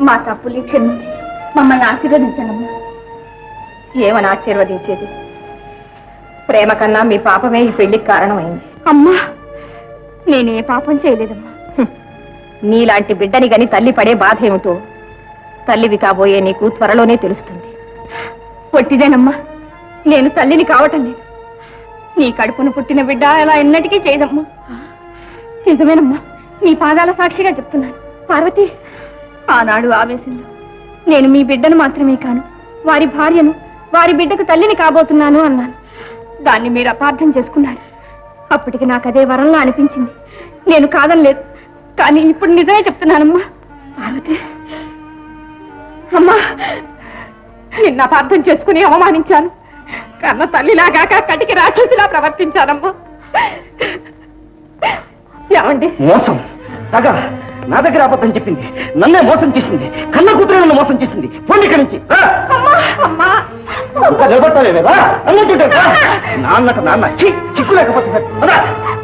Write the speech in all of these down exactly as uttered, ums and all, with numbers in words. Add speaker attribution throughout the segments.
Speaker 1: మా తప్పుల్ని క్షమించి మమ్మల్ని ఆశీర్వదించండి.
Speaker 2: ఏమని ఆశీర్వదించేది? ప్రేమ కన్నా మీ పాపమే ఈ పెళ్లికి కారణమైంది.
Speaker 1: అమ్మా, నేనే పాపం చేయలేదమ్మా.
Speaker 2: నీలాంటి బిడ్డని గని తల్లి పడే బాధ ఏమిటో తల్లివి కాబోయే నీకు త్వరలోనే తెలుస్తుంది.
Speaker 1: పొట్టిదేనమ్మా, నేను తల్లిని కావటం లేదు. నీ కడుపును పుట్టిన బిడ్డ అలా ఎన్నటికీ చేయదమ్మా. నిజమేనమ్మా, నీ పాదాల సాక్షిగా చెప్తున్నాను. పార్వతి, ఆనాడు ఆవేశంలో నేను మీ బిడ్డను మాత్రమే కాను, వారి భార్యను, వారి బిడ్డకు తల్లిని కాబోతున్నాను అన్నాను. దాన్ని మీరు అపార్థం చేసుకున్నారు. అప్పటికి నాకు అదే వరంలా అనిపించింది. నేను కాదనలేదు, కానీ ఇప్పుడు నిజమే చెప్తున్నానమ్మా. పార్వతి అమ్మా, నిన్న అపార్థం చేసుకుని అవమానించాను. కన్న తల్లిలాగాక కటికి రాక్షసిలా ప్రవర్తించానమ్మా. ఏమండి?
Speaker 3: మోసం, తగ నా దగ్గర అబద్ధం చెప్పింది, నన్నే మోసం చేసింది, కన్న కూతురు నన్ను మోసం చేసింది. పోండి ఇక్కడి నుంచి. నిలబడతావేదా అన్నట్టు నాన్నట నాన్న చిక్కు లేకపోతే సరే.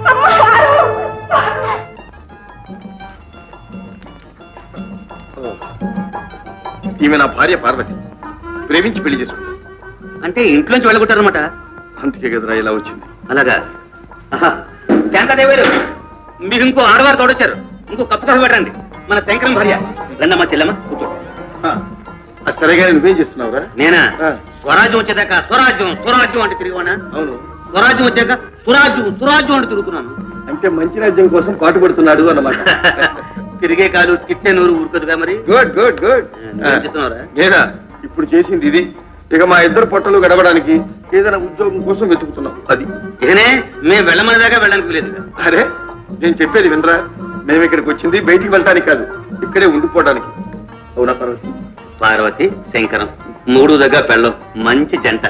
Speaker 4: ఈమె నా భార్య పార్వతి, ప్రేమించి పెళ్లి చేసుకుంది.
Speaker 3: అంటే ఇంట్లోంచి వెళ్ళగొట్టారనమాట.
Speaker 4: అందుకే కదరా ఇలా వచ్చింది.
Speaker 3: అలాగా? శాంతాదేవారు, మీరు ఇంకో ఆడవారు తోడొచ్చారు. ఇంకో కప్పు కాఫీ పెట్టండి. మన శంకరం భార్య. రండమ్మా చెల్లమ్మ, కూర్చో.
Speaker 4: సరేగా నువ్వేం చేస్తున్నావురా?
Speaker 3: నేనా? స్వరాజ్యం వచ్చేదాకా స్వరాజ్యం స్వరాజ్యం అంటే తిరిగివానా?
Speaker 4: అవును.
Speaker 3: స్వరాజ్యం వచ్చాక సురాజ్యం సురాజ్యం అంటే తిరుగుతున్నాను.
Speaker 4: అంటే మంచి రాజ్యం కోసం పాటుపడుతున్నాడు అన్నమాట.
Speaker 3: తిరిగే కాలు తిట్టే నూరు ఊరుకదుగా మరి.
Speaker 4: Good good good. నేనా ఇప్పుడు చేసింది ఇది. ఇక మా ఇద్దరు పొట్టలు గడవడానికి ఏదైనా ఉద్యోగం కోసం వెతుకుతున్నాం. అది
Speaker 3: ఇకనే మేము వెళ్ళమనేదాకా వెళ్ళడానికి లేదు.
Speaker 4: అరే, నేను చెప్పేది వినరా? మేము ఇక్కడికి వచ్చింది బయటికి వెళ్ళటానికి కాదు, ఇక్కడే ఉండిపోవడానికి. అవునా పార్వతి?
Speaker 3: పార్వతి శంకరం మూడు దగ్గర పెళ్ళం మంచి జంట.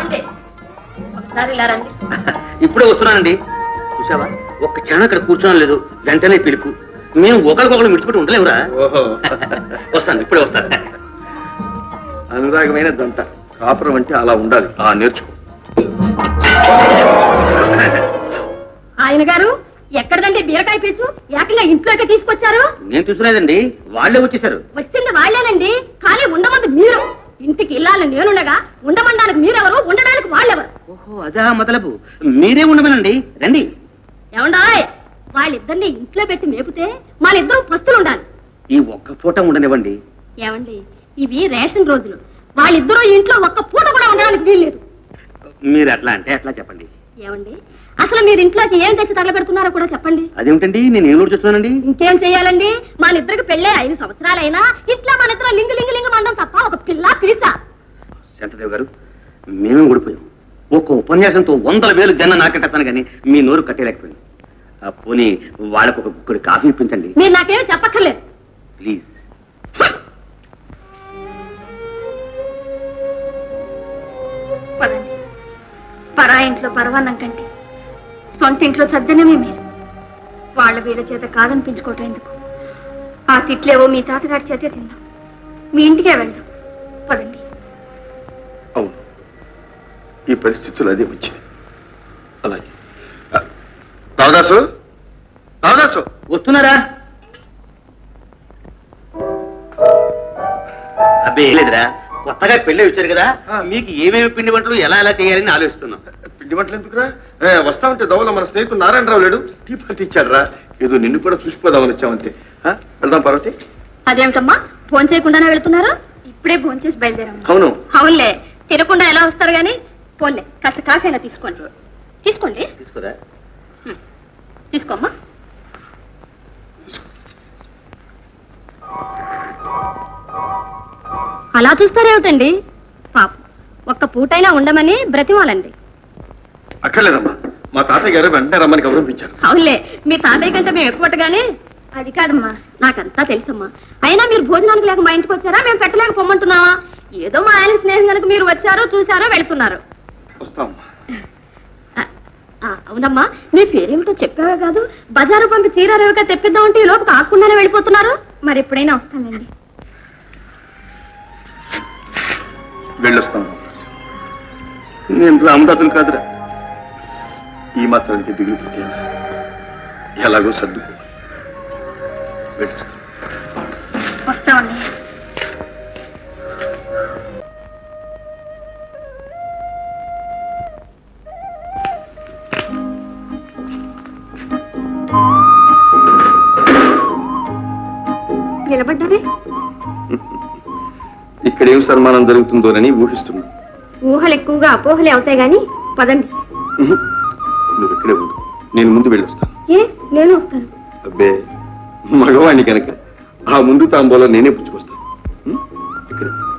Speaker 3: ఇప్పుడే వస్తున్నానండి. చూసావా, ఒక్క క్షణం అక్కడ కూర్చోడం లేదు, వెంటనే పిలుపు. మేము ఒకరికొకరు మిడిచిపెట్టి ఉండలేవురా.
Speaker 4: ఓహో,
Speaker 3: వస్తాను, ఇప్పుడే వస్తాను.
Speaker 4: అనురాగమైన దంట. కాపురం అంటే అలా ఉండాలి. ఆ నేర్చుకో.
Speaker 1: ఆయన గారు ఎక్కడదండి బీరకాయ పీచు? ఏకంగా ఇంట్లోకి తీసుకొచ్చారు.
Speaker 3: నేను చూసుకునేదండి, వాళ్ళే వచ్చేసారు.
Speaker 1: వచ్చింది వాళ్ళేనండి, కానీ ఉండమంది మీరు. ఇంటికి ఇల్లాలని నేనుండగా ఉండమండానికి మీరెవరు, ఉండడానికి వాళ్ళెవరు?
Speaker 3: ఓహో, అదా మొదలపు. మీరే ఉండమనండి, రండి.
Speaker 1: ఏమండాయ్, వాళ్ళిద్దరిని ఇంట్లో పెట్టి మేపితే వాళ్ళిద్దరూ పస్తులు ఉండాలి.
Speaker 3: ఈ ఒక్క పూట ఉండనివ్వండి.
Speaker 1: ఏమండి, ఇవి రేషన్ రోజులు. వాళ్ళిద్దరూ ఇంట్లో ఒక్క పూట కూడా ఉండడానికి వీల్లేదు.
Speaker 3: మీరు అట్లా అంటే అట్లా చెప్పండి.
Speaker 1: ఏమండి, అసలు మీరు ఇంట్లోకి ఏం తెచ్చి తగలబెడుతున్నారో కూడా చెప్పండి.
Speaker 3: అదేమిటండి, నేను ఏం చూస్తున్నానండి?
Speaker 1: ఇంకేం చెయ్యాలండి, మన ఇద్దరికి పెళ్ళే ఐదు సంవత్సరాలైనా ఇట్లా మన ఇద్దరు లింగు లింగు లింగు మండం తప్ప ఒక పిల్ల పిలిచ.
Speaker 3: శాంతదేవ్ గారు, మేమే ఊడిపోయాం. ఒక్క ఉపన్యాసంతో వందల వేలు జన్న నాకెట్టాను కానీ మీ నోరు కట్టేలేకపోయింది. పోనీ వాళ్ళకు ఒక కుక్కడి కాఫీ ఇప్పించండి.
Speaker 1: మీరు నాకేమీ చెప్పక్కర్లేదు,
Speaker 3: ప్లీజ్.
Speaker 1: పదండి. పరా ఇంట్లో పరవాన్నం కంటే సొంత ఇంట్లో చద్దనమే మీరు. వాళ్ళ వీళ్ళ చేత కాదనిపించుకోవటం ఎందుకు? ఆ తిట్లేవో మీ తాతగారి చేతే తిందాం, మీ ఇంటికే వెళ్దాం. పదండి.
Speaker 4: అవును, ఈ పరిస్థితులు అదే వచ్చింది. అలాగే. రావదాసు, రావదాసు
Speaker 3: వస్తున్నారా? అబ్బే లేదురా, కొత్తగా పెళ్ళి వచ్చారు కదా, మీకు ఏమేమి పిండి వంటలు ఎలా ఎలా చేయాలని ఆలోచిస్తున్నాం.
Speaker 4: పిండి వంటలు ఎందుకురా? వస్తా ఉంటే దోవలో మన స్నేహితుడు నారాయణరావు లేడు, టీ పార్టీ ఇచ్చాడు రా. ఏదో నిన్ను కూడా చూసిపోదామని వచ్చామంతే. వెళ్దాం పార్వతి.
Speaker 1: అదేమిటమ్మా, ఫోన్ చేయకుండానే వెళ్తున్నారు? ఇప్పుడే ఫోన్ చేసి బయలుదేరాము.
Speaker 4: అవును.
Speaker 1: అవునులే, తినకుండా ఎలా వస్తారు గాని. పోన్లే, కాస్త కాఫీ అయినా తీసుకోండి. తీసుకోండి.
Speaker 3: తీసుకోరా.
Speaker 1: తీసుకోమ్మా. అలా చూస్తారేమిటండి? పాప ఒక్క పూటైనా ఉండమని బ్రతిమాలండి.
Speaker 4: అక్కర్లేదమ్మా, మా తాతయ్య గారు వెంటనే రమ్మని గౌరవించారు.
Speaker 1: అవునులే, మీ తాతయ్య కంటే మేము ఎక్కువగానే. అది కాదమ్మా, నాకంతా తెలుసమ్మా. అయినా మీరు భోజనానికి లేక మా ఇంటికి వచ్చారా, మేము పెట్టలేక పొమ్మంటున్నావా? ఏదో మా ఆయన స్నేహం కనుక మీరు వచ్చారో చూసారో వెళ్తున్నారు.
Speaker 4: వస్తామమ్మా.
Speaker 1: అవునమ్మా, మీ పేరేమిటో చెప్పావే కాదు, బజారు పంపి చీరారేవిగా తెప్పిద్దామంటే ఈ లోపు కాకుండానే వెళ్ళిపోతున్నారు. మరి ఎప్పుడైనా వస్తానండి.
Speaker 4: వెళ్ళొస్తాను. నేను రామదాసులు కాదురా, ఈ మాత్రానికి దిగులు పెట్టాను. ఎలాగో సర్దుకో.
Speaker 1: వస్తామండి.
Speaker 4: ఇక్కడ ఏం సన్మానం జరుగుతుందోనని ఊహిస్తున్నాను.
Speaker 1: ఊహలు ఎక్కువగా అపోహలే అవుతాయి గాని పదండి.
Speaker 4: ఉహు. నువ్వు ఇక్కడే ఉండు, నేను ముందు వెళ్ళొస్తాను.
Speaker 1: ఏ నేను వస్తాను.
Speaker 4: అబ్బే మగవాణ్ణి కనుక ఆ ముందు తాంబూలం నేనే పుచ్చుకొస్తాను. ఉం? ఇక్కడే